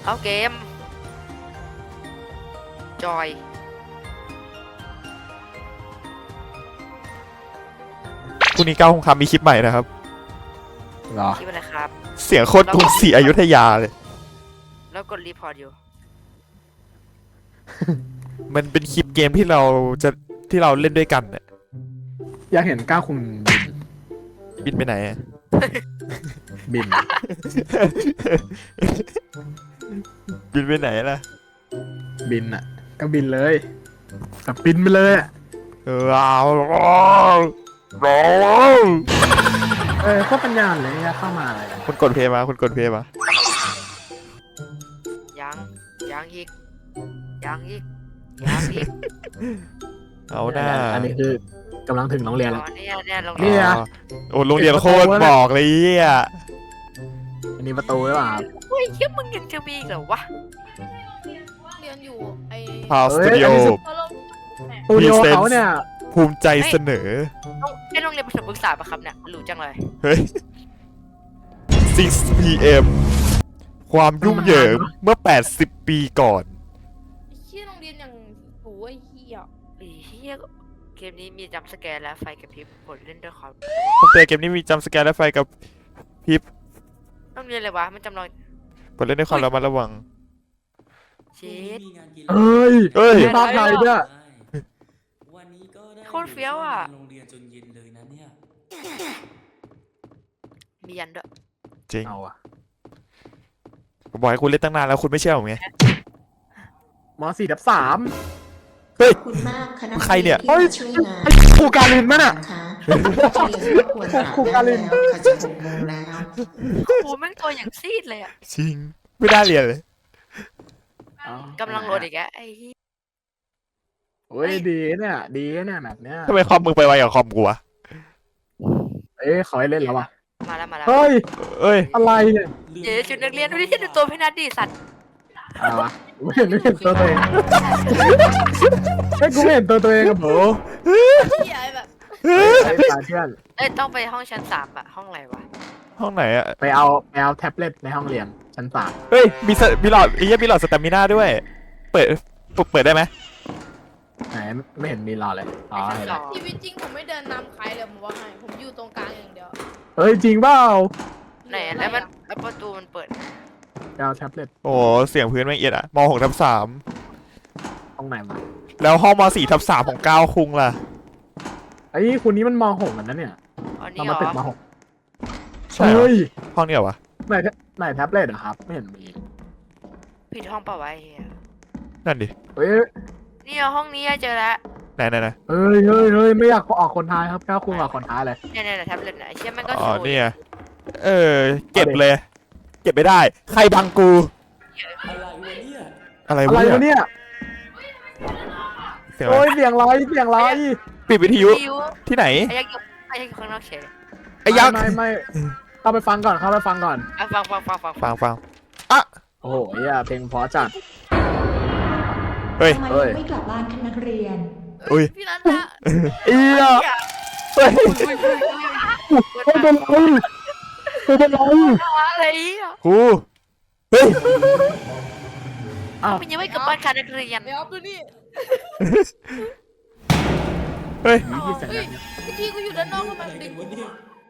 เข้าเกมจอยพรุ่งนี้9 โมงครับมีคลิปใหม่นะครับเหรอคิดว่าอะไรครับเสียงโคตรกรุงศรีอยุธยาเลยแล้วกดรีพอร์ตอยู่มันเป็นคลิปเกมที่เราเล่นด้วยกันเนี่ยอยากเห็นก้าวคุณบินไปไหนอะบินบินไปไหนล่ะบินอ่ะ ก็บินเลยแบบบินไปเลยอ่ะว้าวโคตรปัญญาเลยอะเข้ามาเลยอะคุณกดเพลย์มาคุณกดเพลย์มายังอีกยังอีกยังอีกเอาหน้าอันนี้คือกำลังถึงโรงเรียนอ๋แล้วอเนี่ยโรงเนี่เรียนยโอ้โรงเรียนโคตรบอกเลยอ่ะอันนี้ประตูหรือเปล่าเฮ้ยเหี้ยมึงยังจะมีอีกเหรอวะเรียนอยู่ไอ้พาวสตูดิโอพอลงสตูดิโอเขาเนี่ยภูมิใจเสนอโรงเรียนประถมศึกษาปะครับเนี่ยหรูจังเลยเฮ้ย 6 PM ความยุ่งเหยิงเมื่อ 80 ปีก่อนไอ้เชี่ยโรงเรียนอย่างโอ้ยเฮียไอ้เหี้ยเกมนี้มีจัมป์สแกร์และไฟกระพริบกดเล่นด้วยความผมเตะเกมนี้มีจัมป์สแกร์และไฟกับพริบต้องเรียนอะไรวะมันจำลองกดเล่นด้วยความระมัดระวังเช็ดเอ้ยเอ้ยมีภาพไทยด้วยวันนี้ก็ได้โคตรเฟี้ยวอ่ะโรงเรียนจนเย็นเลยนะเนี่ยมียันด้วยจริงเอาอะผมบอกให้คุณเล่นตั้งนานแล้วคุณไม่เชื่อผมไงม4/3 เฮ้ยคุณมากคณะใครเนี่ยที่มาช่วยงานครูการินมั้ยน่ะนะคะเรียนก็ควรหาครูการินได้แล้วค่ะจะ6 โมงแล้วโอ้แม่งตัวอย่างซีดเลยอ่ะจริง ไม่ได้เรียนเลยกำลังโหลดอีกแล้วไอ้เหี้ยโอ้ยดีเนี่ยดีเนี่ยแบบเนี้ยทำไมคอมมึงไปไวกับคอมกูวะเขาให้เล่นแล้วว่ะมาแล้วเฮ้ยเอ้ยอะไรเนี่ยเดี๋ยวชุดนักเรียนดูดิที่ดูตัวพี่นัทดิสัตว์อะไรวะไม่เห็นตัวเองกูไม่เห็นตัวเองกับโบเฮียแบบไอ้สายเพื่อนเอ้ยต้องไปห้องชั้น3อะห้องอะไรวะห้องไหนอะไปเอาแท็บเล็ตในห้องเรียนชั้น3 เฮ้ย มีหลอดไอ้เหี้ยมีหลอดสตามิน่าด้วย เปิดได้ไหมไหนไม่เห็นมีรอเลยอ๋อเห็นแล้วชีวิตจริงผมไม่เดินนำใครเลยผมว่าให้ผมอยู่ตรงกลางอย่างเดียวเฮ้ยจริงเปล่าไหนอะแล้วมันแล้วประตูมันเปิดไปเอาแท็บเล็ตโอ้เสียงพื้นแม่งเอียดอะม6/3 ตรงไหนมาแล้วห้องม4/3ของ9คุงล่ะไอ้คุณนี้มันม6เหมือนนั้นเนี่ยอ๋อเรานี่เหรมาตึกอม6 ใช่เหรอเฮ้ยห้องนี้เหรอวะไหนแท็บเล็ตอะครับ ไม่เห็นมีผิดห้องเปล่าวะไอ้เหี้ยนั่นดิเฮ้ยนี่ห้องนี้เจอแล้วไหนเฮ้ยไม่อยากออกคนท้ายครับก้าวคุณออกคนท้ายเลยเนี่ยแท็บเล็ตไหนเชี่ยแม่งก็อ๋อสวยเนี่ยเก็บเลย เก็บไม่ได้ ใครบังกูอะไรวะเนี่ยอะไรอะไรวะเนี่ยเสียงอะไรโอ้ยเสียงไรเสียงไรปิดวิทยุวิวที่ไหนไอ้ยักษ์อยู่ข้างนอกเฉยไอ้ยักษ์ไม่เข้าไปฟังก่อนอ่ะฟังฟังโอ้โหเพลงเพราะจัดเฮ้ยทำไมเฮ้ยยังไม่กลับบ้านคะนักเรียนอุ้ยพี่นัทนะเอียเฮ้ยไม่เป็นไรไม่เป็นไรอะไรอ่ะครูเฮ้ยอ้าวมันยังไม่กลับบ้านค่ะนักเรียนเดี๋ยวดูนี่เฮ้ยนี่ที่เสียงเฮ้ยเนี่ยเมื่อกี้กูอยู่ด้านนอกทำไมอะไรมันกัดึนงวะเนี่ย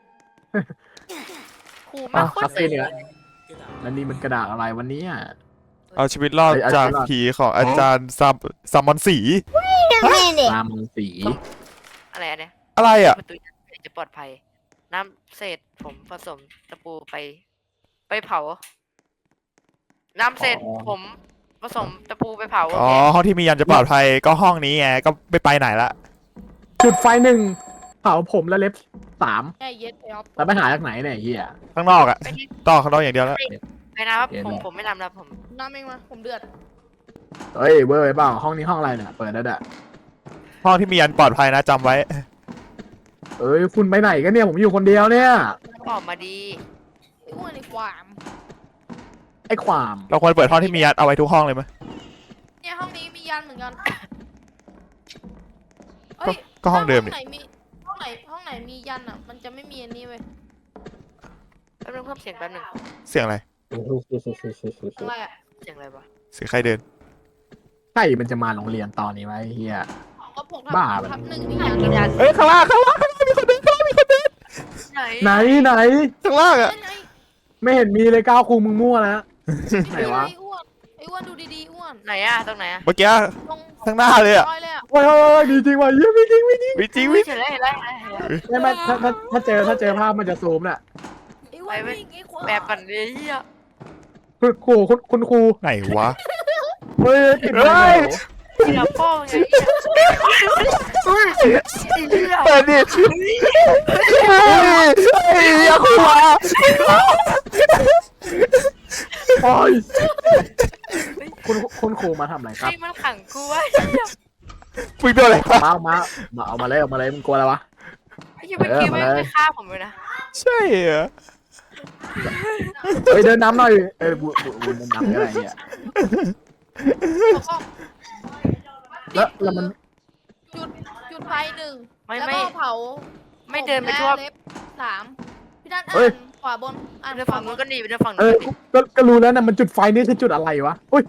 ครูแม่งโคตคาร เฟ่เนี่ยกระดาษแล้วนี่มันกระดาษอะไรวันนี้อ่ะเอาชีวิตรอดจากผีของอาจารย์ซัมมอนสีตามสีอะไรอันเนี้ยอะไรอ่ะประตูจะปลอดภัย น้ำเศษผมผสมตะปูไปเผา น้ำเศษผมผสมตะปูไปเผาอ๋อ ห้องที่มียันจะปลอดภัยก็ห้องนี้ไง ก็ไม่ไปไหนละจุดไฟ1เผาผมและเล็บ3 แค่เย็ดไอ้ออฟแล้วไปหาจากไหนเนี่ยเฮียข้างนอกอ่ะต่อข้างนอกอย่างเดียวแล้วไปนะครับเห็นผมไหมผมไม่นำแล้วผมน้ำเองมาผมเดือดเฮ้ยเวอร์ไปเปล่าห้องนี้ห้องอะไรเนี่ยเปิดแล้วอ่ะห้องที่มียันปลอดภัยนะจำไว้เอ้ยคุณไปไหนกันเนี่ยผมอยู่คนเดียวเนี่ยออกมาดีไอ้อ้วนไอ้ความไอ้ความเราควรเปิดห้องที่มียันเอาไว้ทุกห้องเลยไหมเนี่ยห้องนี้มียันเหมือนกันก็ห้องเดิมห้นี่องไหนมีห้องไหนมียันอ่ะ มันจะไม่มีอันนี้เว้ยแป๊บนึงเพิ่มเสียงแป๊บนึงเสียงอะไรอะไรอ่ะเสียงอะไรวะเสียงใครเดินใครมันจะมาโรงเรียนตอนนี้วะไอ้เฮียก็ผมบ้าทับไปหนึ่งนี่ยังกินยาเอ้ยข้างล่างมีคนเดินมีคนเดินไหนไหนข้างล่างอะไงไม่เห็นมีเลยก้าวคุงมึงมั่วแล้ว ไหนวะไอ้อ้วนไอ้อ้วนดูดีๆอ้วนไหนอะตรงไหนอะเมื่อกี้ตรงข้างหน้าเลยอะร้อยเลยอะโอ้ยดีจริงว่ะเยี่ยมจริงไม่จริงวิจริงเฮ้วิยเห็นแล้วเห็นแล้วเห็นแล้วเห็นแล้วไม่ถ้าเจอภาพมันจะซูมน่ะไอ้อ้วนวิ่งไอ้ควายแบบกันเลยเฮียคุณครูคุณครูไหนวะเฮ้ยติดเฮ้เลยยเฮียพ่อไงเฮียเฮียเปิดดิเฮ้ยอย่าขวาโอ้ยคุณครูมาทำอะไรคใครรับมันขังกูวะมึงโดนอะไรวะมาเอามาเลยมึงกลัวอะไรวะไอ้เหี้ยเมื่อกี้ไม่ได้ฆ่าผมเลยนะใช่เหรอเฮ้ยเดินน้ำหน่อยบูเดินน้ำอะไรเงี้ย แล้วมันจุดไฟหนึ่งไม่แล้วไม่ก็เผาไม่เดินไปทั่วผมและเล็บสามพี่นัทอ่านขวาบนอ่านเดินขฝั่วาง บนู้นนก็หนีไปเดินฝั่งเอนู้นอก็หนีก็รู้แล้วนะมันจุดไฟนี่คือจุดอะไรวะโอ้ย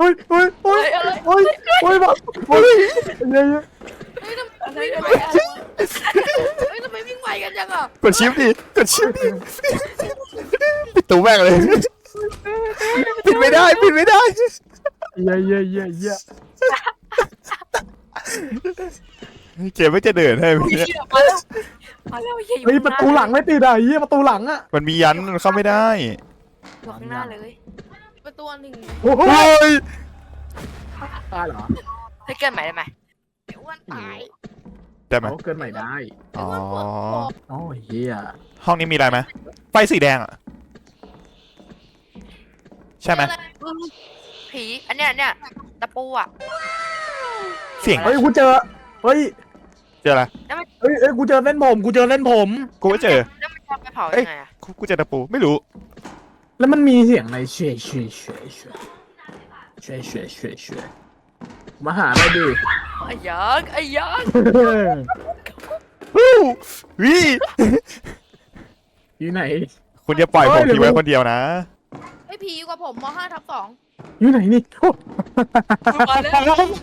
แบบเฮ้ยทำไมวิ่งไวกันจังอ่ะกดชิปดิกดชิปดิปิดตู้แม่งเลยปิดไม่ได้เปิดไม่ได้ยี่ยเกมไม่จะเดินให้เฮียมาแล้วมาแล้วเฮียอยู่เฮ้ยประตูหลังไม่ติดอ่ะยี่ประตูหลังอ่ะมันมียันมันเข้าไม่ได้อยู่ข้างหน้าเลยประตูหนึ่งโอ้โอ้ยตายเหรอให้เกินใหม่ได้ไหมไอ้อ้วนตายได้ไหมเขาเกินใหม่ได้อ๋อโอ้ยเฮียห้องนี้มีอะไรไหมไฟสีแดงอ่ะใช่ไหมผีอันเนี้ยตะปูอ่ะเสียงเฮ้ยกูเจอเฮ้ยเจออะไรเฮ้ยกูเจอเส้นผมกูเจอเส้นผมกูไม่เจอแล้วมันจะไปเผายังไงอ่ะกูเจอตะปูไม่รู้แล้วมันมีเสียงอะไรเฉยมาหาได้ดิไอ้ยักษ์ไอ้ยักษ์วู้วิอยู่ไหนคุณจะปล่อยผมทิ้งไว้คนเดียวนะไอ้ผีอยู่กับผมม5/2 อยู่ไหนนี่มาแล้ว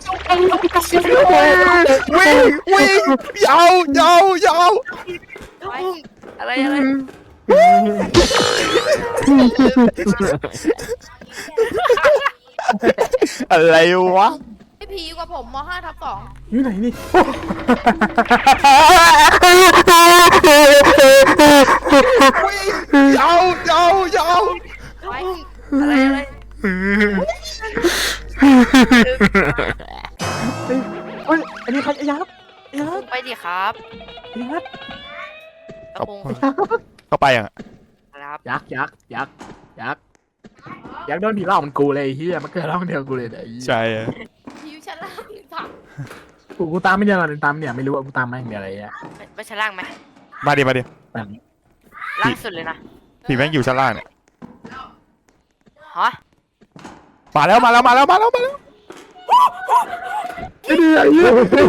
วิ่งยาวยาวอะไรอะไรวะไอ้ผีอยู่กับผมม5/2 อยู่ไหนนี่ยาวอะไรเฮ้ยอันนี้ใครยับไปดิครับยับตะปูเข้าไปอ่ะครับยักษ์โดนผีหลอกมันกูเลยเฮียมันเกิดร่องเดียวกูเลยไอ้ใช่ผีอยู่ชั้นล่างหรือเปล่ากูตามไม่เจอตามเนี่ยไม่รู้ว่ากูตามแม่งเดียวอะไรเงี้ยไปชั้นล่างไหมมาดิแบบนี้ล่างสุดเลยนะผีแม่งอยู่ชั้นล่างเนี่ยฮะมาแล้วไอ้เดียนี่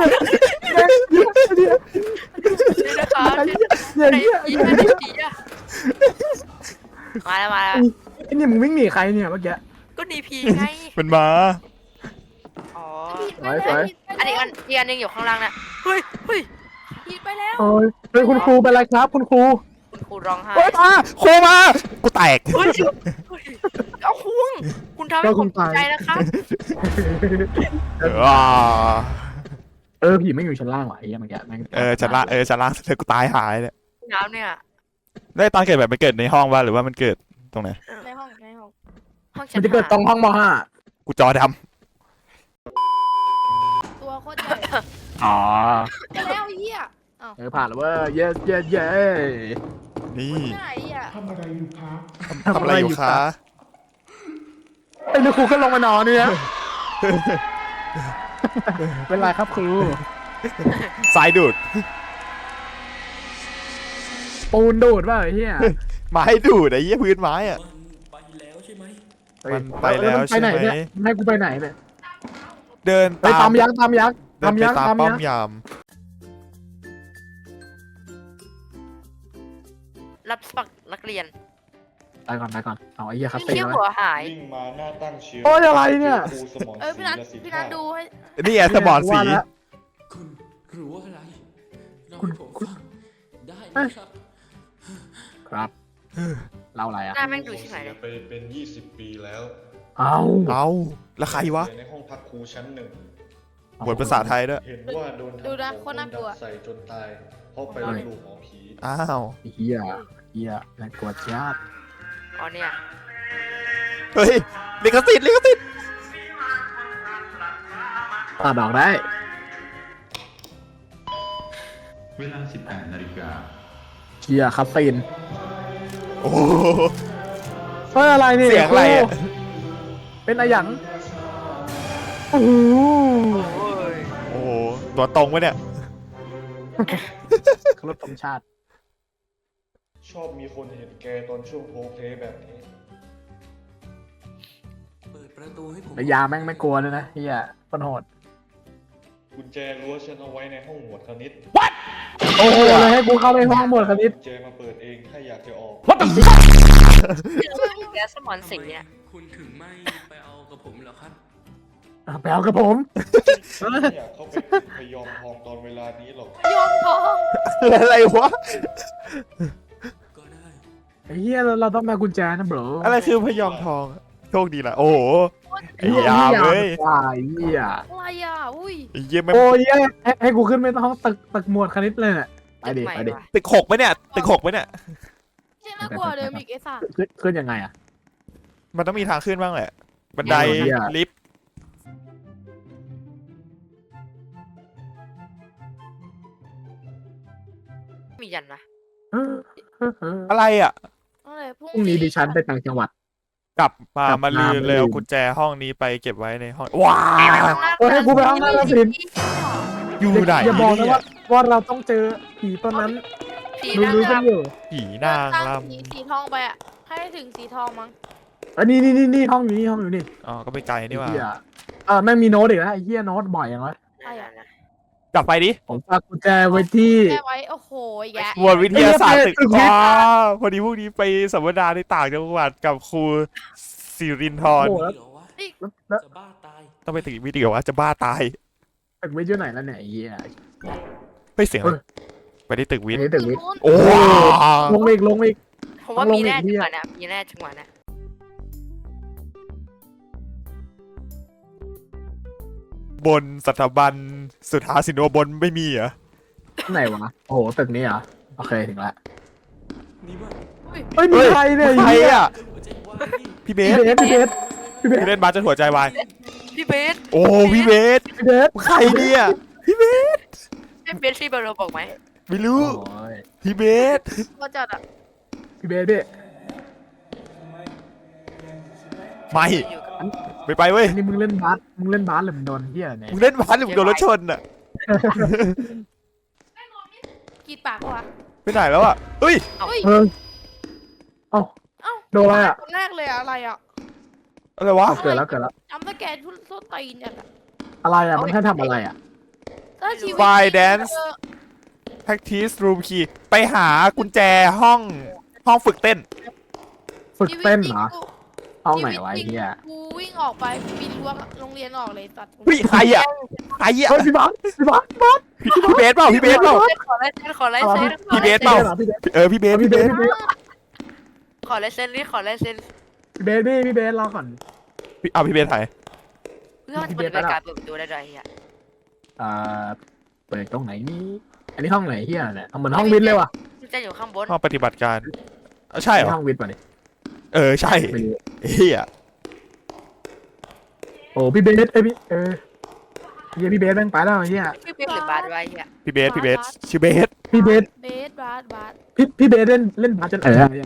นะครับ ไหนผีไหนผีอ่ะมาแล้วไอ้เนี่ยมึงวิ่งหนีใครเนี่ยเมื่อกี้ก็หนีผีไงมันมาอ๋อสวยอันนี้อีกอันนึงอยู่ข้างล่างน่ะเฮ้ยผีไปแล้วโอ้ยเป็นคุณครูเป็นไรครับคุณครูคุณครูร้องไห้โอ้ยโคมากูแตกเฮ้ยเอาคุณทำให้ผมตกใจนะครับผีไม่อยู่ชั้นล่างว่ะไอ้เหี้ยเมื่อกี้แม่งชั้นล่างเธอกูตายหายเนี่ยน้ำเนี่ยได้ตอนเกิดแบบมันเกิดในห้องวะหรือว่ามันเกิดตรงไหนในห้องห้องมันจะเกิดตรงห้องมห้ากูจอดตัวโคตรใหญ่อ๋อไปแล้วไอ้เหี้ยผ่านแล้วเว้ยเย้นี่ไหนอ่ะทำอะไรอยู่คะทำอะไรอยู่คะไอ้ครูก็ลงมานอนเนี่ยเป็นไรครับครูสายดูดปูนดูดป่ะไอ้เหี้ยไม้ดูดไอ้เหี้ยพื้นไม้อะมันไปแล้วใช่ไหมมันไปแล้วใช่ไหมเนี่ยให้กูไปไหนเนี่ยเดินไปตามยักษ์เดินไปตามป้อมยามรับสมัครนักเรียนไปก่อนเอาไอ้เหี้ยคาพี่เฟ่เขี้ยวไว้หัวหายวิ่งมาหน้าตั้งเชียวโอ้ยอะไรเนี่ยครูสมรเอ้ยพี่นัทศรีพี่นัทดูให้นี่ไงสมอนสีว่าแล้วคุณรู้อะไรเล่าคุณให้ผมคุณฟังได้ไหมครับครับเล่าอะไรอ่ะหน้าแม่งดูชิบหายเลยไปเป็น 20 ปีแล้วเอาเอาแล้วใครวะเรียนในห้องพักครูชั้นหนึ่งบทภาษาไทยด้วยเห็นว่าโดนดูนะทำโคตรน่ากลัวใส่จนตาย เพราะไปลบหลู่หมอผีอ้าวไอ้เหี้ยน่ากลัวจัดอ๋อเนี่ยเฮ้ยลิขสิทธิ์ตัดออกได้เวลา 18 นาฬิกาเหี้ยคาเฟ่นโอ้โหเฮ้ยอะไรนี่เสียงอะไรอะเป็นอะไรหยังโอ้โหโอ้โหตัวตรงวะเนี่ยเคารพธงชาติชอบมีคนเห็นแกตอนช่วงโพลเพลย์แบบนี้เปิดประตูให้ผมระยาแม่งไม่กลัวเลยนะเฮียคนโหดกุญแจรั้วฉันเอาไว้ในห้องหมวดคณิตโอ้โหเลยให้กูเข้าไปห้องหมวดคณิตกุญแจมาเปิดเองถ้าอยากจะออกแกสมอนสีเนี่ยคุณถึงไม่ไปเอากับผมเหรอครับไปเอากับผมไม่อยากเข้าไปติดพยอมทองตอนเวลานี้หรอกโยมทองอะไรวะก็ได้ไอ้เฮียเราต้องมากุญแจนะบรอะไรคือพยอมทองโชคดีนะโอ้โหไอ้ยามเว้ยว้ายเฮียอะไรอ่ะอุ้ยไอ้เยี่ยมโอ้ยให้กูขึ้นไปห้องตึกหมวดคณิตเลยเนี่ยไปดิใหม่ไปดิว่ะตึก6ไหมเนี่ยตึก6ไหมเนี่ยเจ๊น่ากลัวเดิมอีกไอ้สัสขึ้นยังไงอ่ะมันต้องมีทางขึ้นบ้างแหละ บันไดเหี้ยลิฟต์มียันนะอะไรอ่ะอะไรพรุ่พรุ่งนี้ดิฉันไปต่างจังหวัดกลับมากลับมามาลืมมาเลยลืเอามกุญแจห้องนี้ไปเก็บไว้ในห้องว้าโอ้ยให้กูไปห้องนั้นแล้วสิอยู่ไหนอย่าบอกนะเนี่ยว่าเราต้องเจอผีตอนนั้นผีรู้นางรู้กันรำอยู่ผีนางรสีทองไปอ่ะให้ถึงสีทองมั้งนี่ห้องอยู่นี่ำอ๋อก็ไปไกลนี่หว่าไอ้เหี้ยแม่งมีโน้ตอีกแล้วไอ้เหี้ยโน้ตบ่อยอย่างวะใช่นะกลับไปดิผมฝากกุญแจไว้ที่แก้ไว้โอ้โหแยะหมวดวิทยาศาสตร์ตึกตึกวิทย์อ๋อพอดีพวกนี้ไปสัมมนาในต่างจังหวัดกับครูสิรินทร์โอ้โหนี่เหรอวะแล้วจะบ้าตายต้องไปตึกวิทย์เหรอวะจะบ้าตายตึกวิทย์อยู่ไหนแล้วเนี่ยไอ้เหี้ยเฮ้ยเสียงอะไรไปที่ตึกวิทย์ไอ้ตึกวิทย์นู้นโอ้ลงมาอีกผมว่าต้องลงมีแน่อีกจัเนี่งยหวะเนี่ยมีแน่จังหวะเนี่ยบนสถาบันสุทธาสินวบนไม่มีเหรอไหนวะโอ้โหตึกนี้เหรอโอเคถึงละนี่ว่าเฮ้ยมีใครเนี่ยใครอ่ะหัวใจวายนี่พี่เบพี่สเบสพี่เบสพี่เล่นบาสจนหัวใจวายพี่เบสโอ้พี่เบสพี่เบสใครเนี่ยพี่เบสที่เบอร์เราบอกไหมไม่รู้โอ้ยพี่เบสก็จัดอ่ะพี่เบสพี่ไม่อยู่กับไม่ไปเว้ยอันนี้มึงเล่นบาสหรือมึงโดนเหี้ยเนี่ยมึงเล่นบาสหรือมึงโดนรถชนอ่ะกรีดปากวะไปไหนแล้วอ่ะเฮ้ยเฮ้ยเออเอ้าเอ้าโดนอะไรอ่ะคนแรกเลยอะอะไรอ่ะอะไรวะเกิดแล้วจำสแกนทุนส้นตีนเนี่ยอะอะไรอ่ะมันให้ทำอะไรอ่ะถ้าชีวิต Fire จริง dance เออ practice room key ไปหากุญแจห้องฝึกเต้นฝึกเต้นเหรอชีวิตจงห้องไหนวะไอ้เหี้ยกูวิ่งออกไปปีนรั้วโรงเรียนออกเลยตัดเฮ้ยใครอ่ะใครอ่ะเฮ้ยพี่บาสพี่เบสเปล่าพี่เบสเปล่าขอลายเซ็นขอลายเซ็นพี่เบสเปล่าพี่เบสเออพี่เบสพี่พี่เบเบสสขอลายเซ็นนี่ขอลายเซ็นพี่เบสรอก่อนเอาพี่เบสถ่ายเพื่อมันจะเป็นการเปิดประตูได้ด้วยเฮียเปิดตรงไหนนี่อันนี้ห้องไหนเหี้ยเนี่ยเหมือนห้องวิทย์เลยว่ะมันจะอยู่ข้างบนห้องปฏิบัติการใช่เหรอห้องวิทย์ป่ะเนี่ยเออใช่ไม่รู้เฮียโอ้พี่เบสพี่เฮียพี่เบสแม่งไปแล้วเฮียพี่เบสหรือบาสไว้เฮียพี่เบสชื่อเบสพี่เบสเบสบาสบาสพี่เบสเล่นบาสจน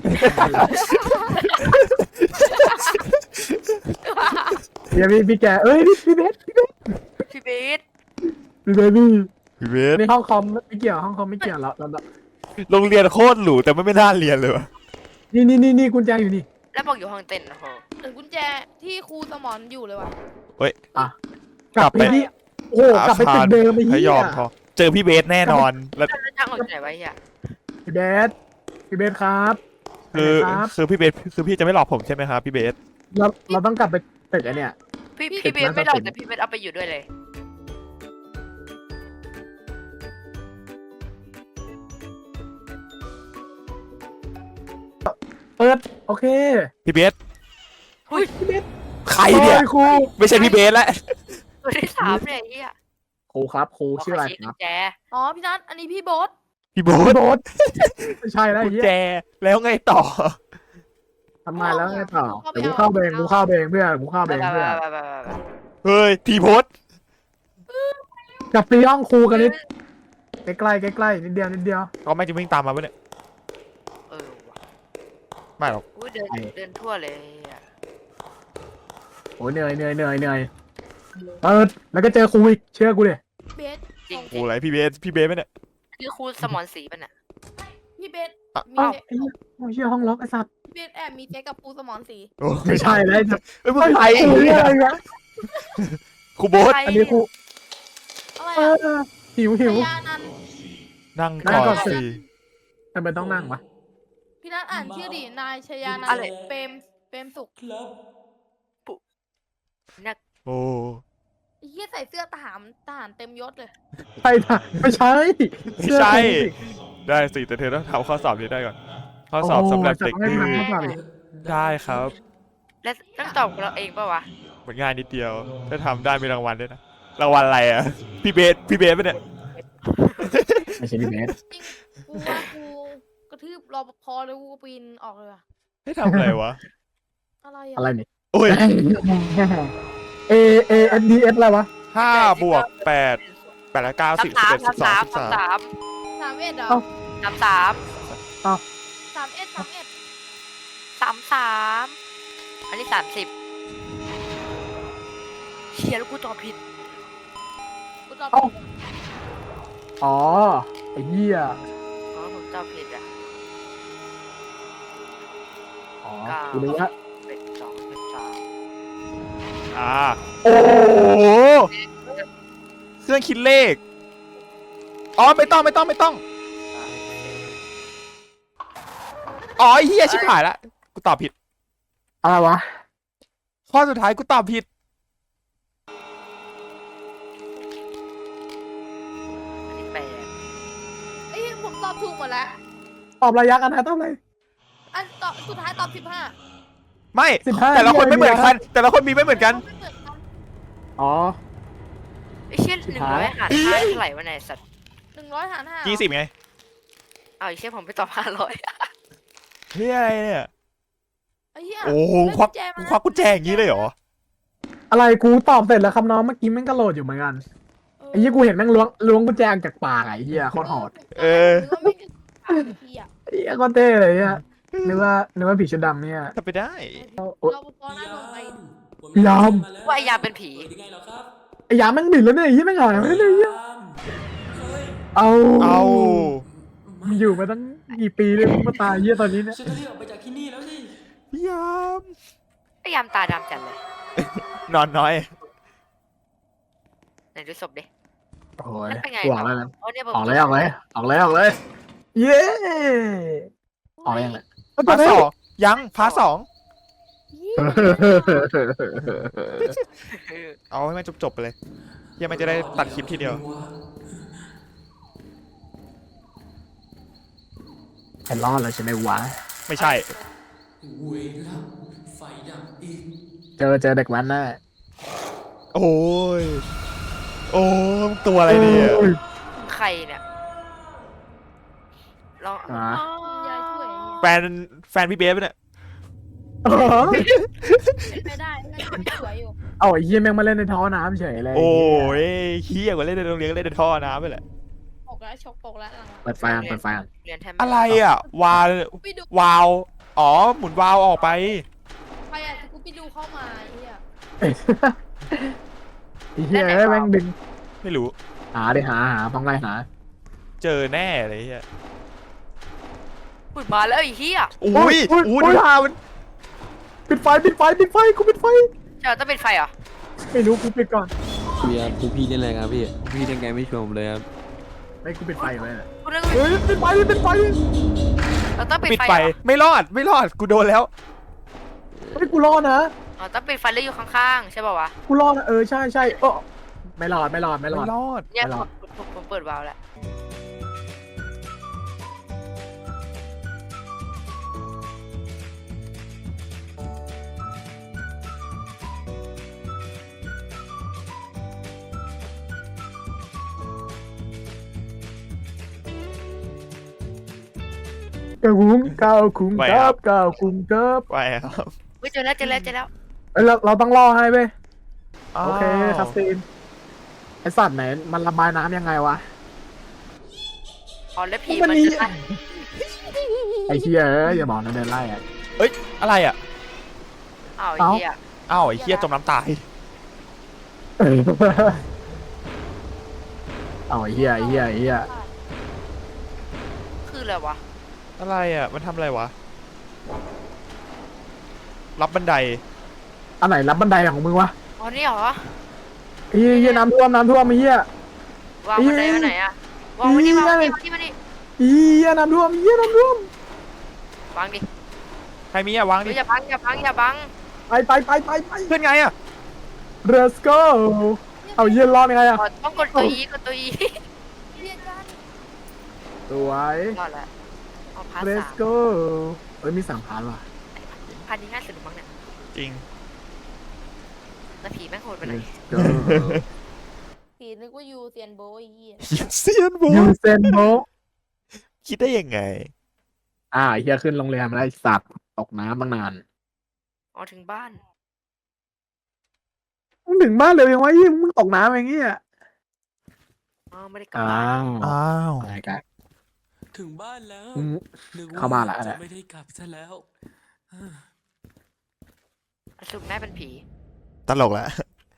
เฮียพี่แกเอ้ยพี่เบสพี่เบสพี่เบสพี่เบสในห้องคอมไม่เกี่ยวห้องคอมไม่เกี่ยวแล้วโรงเรียนโคตรหรูแต่ไม่น่าเรียนเลยวะนี่กุญแจอยู่นี่แล้วบอกอยู่ห้องเต้นนะโหเหมือนกุญแจที่ครูสมอนอยู่เลยว่ะกลับไปที่โอ้กลับไปตึกเดิมไอ้ให้เหี้ยยอมพอเจอพี่เบสแน่นอนแล้วแล้วจ้างออกจากไหนไว้เฮียพี่เบสครับคือพี่เบสคือพี่จะไม่หลอกผมใช่ไหมครับพี่เบสเราต้องกลับไปตึกไอ้เนี่ยพี่เบสไม่หลอกแต่พี่เบสเอาไปอยู่ด้วยเลยเปิดโอเคพี่เบสอุ้ยใครเนี่ยโอ้ครูไม่ใช่พี่เบสแล้วตัวที่สามเนี่ยไอ้เหี้ยครูครับครูชื่ออะไรขชี้คกุรับญแจอ๋อพี่นัทอันนี้พี่โบ๊ทพี่โบ๊พี่ทโบ๊ทไม่ใช่แล้วกุไอ้ญเหี้แจยแล้วไงต่อทำไมแล้วไงต่อเดี๋ยวกูเข้าเบงเพื่อนกูเข้าเบงเพื่อนเฮ้ยทีโพสกลับไปห้องครูกันนิดใกล้ๆใกล้ๆนิดเดียวเขาไม่จะวิ่งตามมาปะเนี่ยเออว่ะไม่หรอกอุ้ยเดินทั่วเลยอะโอ้ยเหนื่อยเปิดแล้วก็เจอครูอีกเชื่อกูดิเบสจริงโอ้ไรพี่เบสไหมเนี่ยคือครูสมอนสีป่ะเนี่ยพี่เบสอ้าวมีไอ้เหี้ยโอ้ยเชื่อห้องล็อกไอ้สัตว์พี่เบสแอบมีเจ๊กับครูสมอนสีโอ้ไม่ใช่แล้วเอ้ยมึงใครไอ้เหี้ยอะไรวะครูโบ๊ทใครอันนี้ครูอะไรเออ่ะอหิวพยานันท์นั่งนั่งก่ก่ออน นสิสิทำไมต้องนั่งวะพี่นัทอ่านชื่อดินายชยานันอะไรท์เปรมสุขครับนักโอ้ไอ้เหี้ยใส่เสื้อทหารเต็มยศเลยใช่ค่ะไม่ใช่ไม่ใช่ ได้สิแต่เธอต้องทำข้อสอบนี้ได้ก่อน ข้อสอบสำหรับเด็กดื้อไม่ทำข้อสอบอีกได้ครับและต้องตอบเราเองป่ะวะมันง่ายนิดเดียว ถ้าทำได้มีรางวัลด้วยนะ รางวัลอะไรอ่ะ พี่เบสปะเนี่ยไม่ใช่พี่เบสจริงกูว่ากูกระทืบรปภแล้วกูก็ปีนออกเลยว่ะให้ทำอะไรวะอะไรอะไรอ่ะนี่โอ้ย A S D S อะไรวะ 5 บวก 8 8 แล้ว9 10 11 12 13 สามเอ็ดเหรอเอ้าสามสามเอ็ดอันนี้30เชียแล้วกูตอบผิดกูตอบเอ้า อ๋อไอ้เหี้ยอ๋อผมตอบผิดอ่ะอ๋อกูนึกว่าเป็น2เป็น3 โอ้โหเครื่องคิดเลข อ๋อ ไม่ต้อง อ๋อไอ้เฮียชิบหายละ กูตอบผิดอะไรวะข้อสุดท้ายกูตอบผิดอันนี้แปดไอ้ยผมตอบถูกหมดแล้วตอบระยะกันนะตอบอะไรอันตอบสุดท้ายตอบ15 ไม่ 15 แต่ละคนไม่เหมือนกัน แต่ละคนมีไม่เหมือนกันไม่เหมือนกันอ๋อไอ้เชี่ยสุด 100 ท้ายหาร5เท่าไหร่วะไหนยสัตว์ 100 หาร 5 20ไงเอาไอ้เชี่ยผมไปตอบ500 เฮ้ยอะไรเนี่ยไอ้เหี้ยโอ้โหควักกุญแจอย่างนี้เลยเหรออะไรกูตอบเสร็จแล้วครับน้องเมื่อกี้แม่งก็โหลดอยู่เหมือนกันไอ้เหี้ยกูเห็นแม่งล้วงกุญแจออกจากปากไอ้เหี้ยโคตรโหดเออหรือว่าไม่ได้ไอ้เหี้ยไอ้เหี้ยโคตรเท่เลยเนี่ยนึกว่าผีชุดดำเนี่ยทำไปได้โอ๊ยรปภน่าโดนไปยอมว่าไอ้ยามเป็นผียังไงเหรอครับไอ้ยาแม่งบิดแล้วเนี่ยไอ้เหี้ยแม่งหายไปเลยเนี่ย เอาเอามึงอยู่มาตั้งกี่ปีเลยมึงมาตายเหี้ยตอนนี้เนี่ยฉันจะรีบออกไปจากที่นี่แล้วสิพี่ยามไอ้ยามตาดำจัดเลยนอนน้อยไหนดูศพดิโอ้ยแล้วเป็นไงกูออกแล้วนะโอ้เนี่ยผมออกเลยเย้ออกเลยยังไงพาร์ทสองยังพาร์ทสองเอาให้มันจบไปเลยเฮียมันจะได้ตัดคลิปทีเดียวไอ้รอดแล้วใช่ไหมวะไม่ใช่เวรละไฟดับอีกเจอเด็กวันแน่โอ้ย โอ้ยตัวอะไรเนี่ยใครเนี่ยลองอ่ะยายช่วยแฟนพี่เบสปะเนี่ยเป็นไปได้น่าจะสวยอยู่เอาไอ้เหี้ยแม่งมาเล่นในท่อน้ำเฉยเลยโอ้ยเฮี้ยกว่าเล่นในโรงเรียนก็เล่นในท่อน้ำไปแหละปกแล้วชกปกแล้วหลังเปิดไฟอ่ะเปิดไฟอ่ะเรียนแทบม่อะไรอ่ะไปดูวาว อ๋อ หมุนวาวออกไปใครอ่ะกูไปดูเข้ามาไอ้เหี้ยไอ้เหี้ยแม่งดึงไม่รู้หาต้องไล่หาเจอแน่เลยเฮียอุ้ยมาแล้วไอ้เหี้ยอุ้ยอุ้ยดูท่ามันปิดไฟกูปิดไฟเจ้าต้องเป็นไฟเหรอไม่รู้กูปิดก่อนพี่ครับพวกพี่เล่นอะไรครับพี่พี่เล่นไงไม่ชวนผมเลยครับไม่กูปิดไฟอยู่เลยกูนึกว่าเฮ้ยปิดไฟเราต้องปิดปิดไฟไฟเหรอไม่รอดกูโดนแล้วเฮ้ยกูรอดนะอ๋อต้องปิดไฟแล้วอยู่ข้างๆใช่ป่าววะกูรอดนะใช่ใช่ไม่รอดไม่รอดเนี่ยไม่รอดผมเปิดวาล์วแล้วก้าวคุ้งก้าวคุ้งไหวคครัรับ บก้าวคุ้งครับไปครับเฮ้ยเจอแล้วเอ้ยเราต้องรอให้เว้ยอ๋อโอเคคาสซีนไอสัตว์ไหนมันระบายน้ำยังไงวะอ๋อแล้วผีมัมัน นนี่จะได้ไอเฮียอย่าบอกนะเดินไล่อะเอ้ยอะไรอ่ะอ้าวไอ้เอ้าเหี้ยอ้าวไอ้เหี้ยจมน้ำตายเอาไอเฮียคืออะไรวะอะไรอ่ะมันทำอะไรวะรับบันไดอันไหนรับบันไดของมึงวะอ๋อนี่เหรอไอ้เฮียน้ำท่วมไอ้เฮียวางบันไดไว้ไหนอะวางไว้นี่วางไว้นี่มานี่ไอ้เฮียน้ำท่วมวางดิใครมีอ่ะวางดิเฮ้ยอย่าบังไปขึ้นไงอ่ะ Let's go เอาเฮียรอดยังไงอะอ๋อต้องกดตัว E เรียกกันสวยรอดแล้วเอาพาร์ท Let's 3 go เอ้ยมี3 พาร์ทว่ะพาร์ทนี้ง่ายสุดมั้งเนี่ยจริงแล้วผีแม่งโหดไปไหน Let's go ผีนึกว่ายูเซียนโบไอ้เหี้ยเซียนโบยูเซนโบคิดได้ยังไงไอ้เฮียขึ้นโรงแรมแล้วไอ้สัตว์ตกน้ำตั้งนานอ๋อถึงบ้านมึงถึงบ้านเร็วยังวะยี่มึงตกน้ำอย่างเงี้ยอ๋อไม่ได้กลับอ้าบ้านวอ้าวอะไรกันถึงบ้านแล้วมึงนึกเข้าบ้านละอะไรจะไม่ได้กลับซะแล้วสรุปแม่เป็นผีตลกแหละ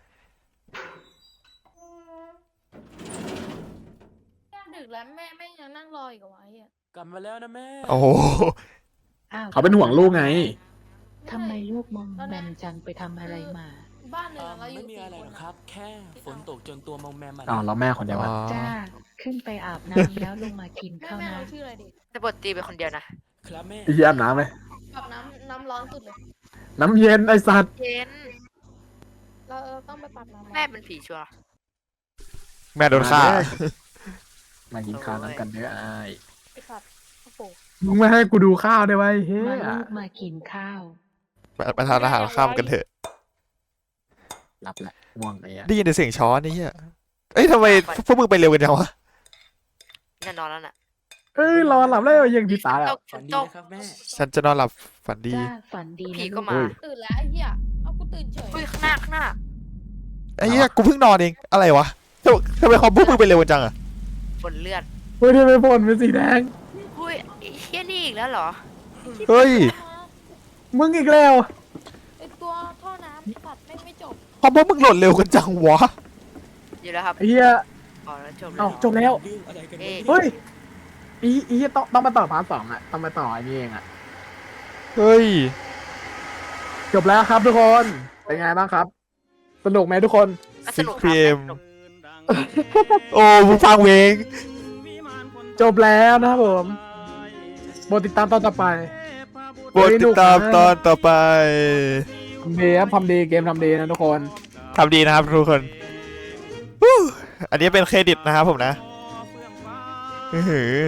ดึกแล้วแม่ยังนั่งรออีกเหรอวะไอ้เหี้ยกลับมาแล้วนะแม่โอ้โหเขาเป็นห่วงลูกไงทำไมลูกมองแมมจังไปทำอะไรมาบ้านหนึ่งอะเราอไม่ยู่มีสี่อะไรคนหรอกอะครับ แค่ฝนตกจนตัวมองแมมาอ้าวแล้วแม่คนเดียวอ๋อะอจ้า ขึ้นไปอาบน้ำแล้วลงมากินข้าวแม่นะเราชื่ออะไรดิแต่บทตีเป็นคนเดียวนะครับแม่ไอ้เหี้ยอาบน้ำไหมกับน้ำร้อนสุดเลยน้ำเย็นไอ้สัตว์เย็นเราต้องไปปรับน้ำร้อนแม่เป็นผีชัวร์แม่โดนฆ่ามากินข้าวน้ำกันเด้อไอ้ไอ้สัตว์โอ้โหมึงไม่ให้กูดูข้าวได้ไว้เฮ้มาย ลูกมากินข้าวไปทานอาหารข้ามกันเถอะรับแหละง่วงไอ้เหี้ยได้ยินแต่เสียงช้อนนี่เฮียเอ้ยทำไมพวกมึงไปเร็วกันจังวะแน่นอนแล้วน่ะเอ้ยรอหลับแล้วยังดีตาแล้วฝันดีตกนะครับแม่ฉันจะนอนหลับฝันดีจ้า ฝันดีผีนะก็ลูกมาตื่นแล้วไอ้เหี้ยเอากูตื่นเฉยอุ้ยข้างหน้าไอ้เหี้ยกูเพิ่งนอนเองอะไรวะทำไมคอมพวกมึงไปเร็วกันจังอะฝนเลือดเฮ้ยทำไมฝนเป็นสีแดงอุ้ยไอ้เฮี้ยนี่อีกแล้วเหรอเฮ้ยมึงอีกแล้วไอ้ตัวท่อน้ำไอ้สัตว์ไม่จบคอมพวกมึงโหลดเร็วกันจังวะอยู่แล้วครับไอ้เหี้ยอ๋อแล้วจบแล้เอ้าว จบแล้วเรื่องอะไรกันเอ๊ะเฮ้ยอีต้องมาต่อพาร์ท 2อะต้องมาต่อไอ้นี่เองอะเฮ้ยจบแล้วครับทุกคนเป็นไงบ้างครับ สนุกไหมทุกคนก็สนุกครับ 6 PM สนุกโอ้มึงฟังเพลงจบแล้วนะครับผมโปรดติดตามตอนต่อไปโปรดติดตามตอนต่อไปทำดีครับทำดีเกมทำดีนะทุกคนทำดีนะครับทุกคนฮู้อันนี้เป็นเครดิตนะครับผมนะอื้อหือ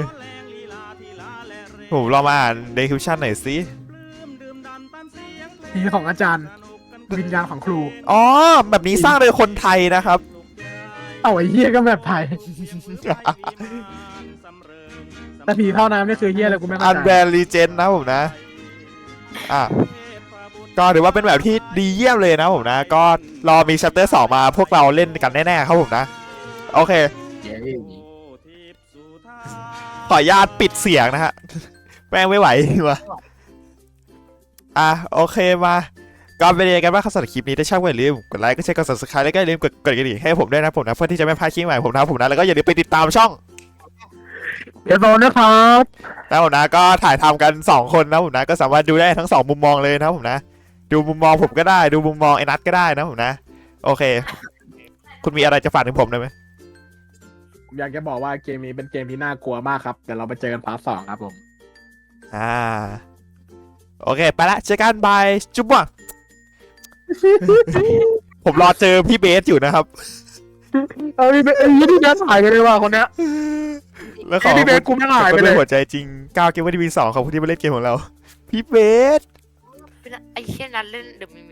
ผมลองมาอ่าน description หน่อยสิทีของอาจารย์ วิญญาณของครูอ๋อ แบบนี้สร้างโดยคนไทยนะครับเอาไอ้เหี้ยก็แบบไทย แต่ผีเท่าน้ำนี่คือเหี้ยอะไรกูไม่อัเข้าน ใจแบนลีเจนนะผมนะ อ่ะ ก็ถือว่าเป็นแบบที่ดีเยี่ยมเลยนะผมนะ ก็รอมี chapter 2 มาพวกเราเล่นกันแน่ๆครับผมนะ โอเค ขออนุญาตปิดเสียงนะฮะ แม่งไม่ไหววะอ่ะ โอเคมาก็เป็นยังไงกันบ้างครับสำหรับคลิปนี้ถ้าชอบก็อย่าลืมกดไลค์กดแชร์กด subscribe แล้วก็อย่าลืมกดกระดิ่งให้ผมด้วยนะผมนะเพื่อที่จะไม่พลาดคลิปใหม่ผมนะผมนะแล้วก็อย่าลืมไปติดตามช่องเดี๋ยวโดนนะครับนะผมนะก็ถ่ายทำกัน2คนนะผมนะก็สามารถดูได้ทั้ง2มุมมองเลยนะผมนะดูมุมมองผมก็ได้ดูมุมมองไอ้นัทก็ได้นะผมนะโอเค คุณมีอะไรจะฝากถึงผมได้ไหมผมอยากจะบอกว่าเกมนี้เป็นเกมที่น่ากลัวมากครับเดี๋ยวเราไปเจอกันพาร์ท 2ครับผมโอเคไปละเจอกันบายจุ๊บว่ะ ผมรอเจอพี่เบสอยู่นะครับพี่เบสพี่เบสหายไปเลยว่ะคนเนี้ยแล้วขอพี่เบสกูไม่หายไปเลยหัวใจจริงก้าวเกมวันที่มี2ขอบคุณที่มาเล่นเกมของเรา พี่เบสไอ้เชี่ยนั้นเล่นเดอะมิ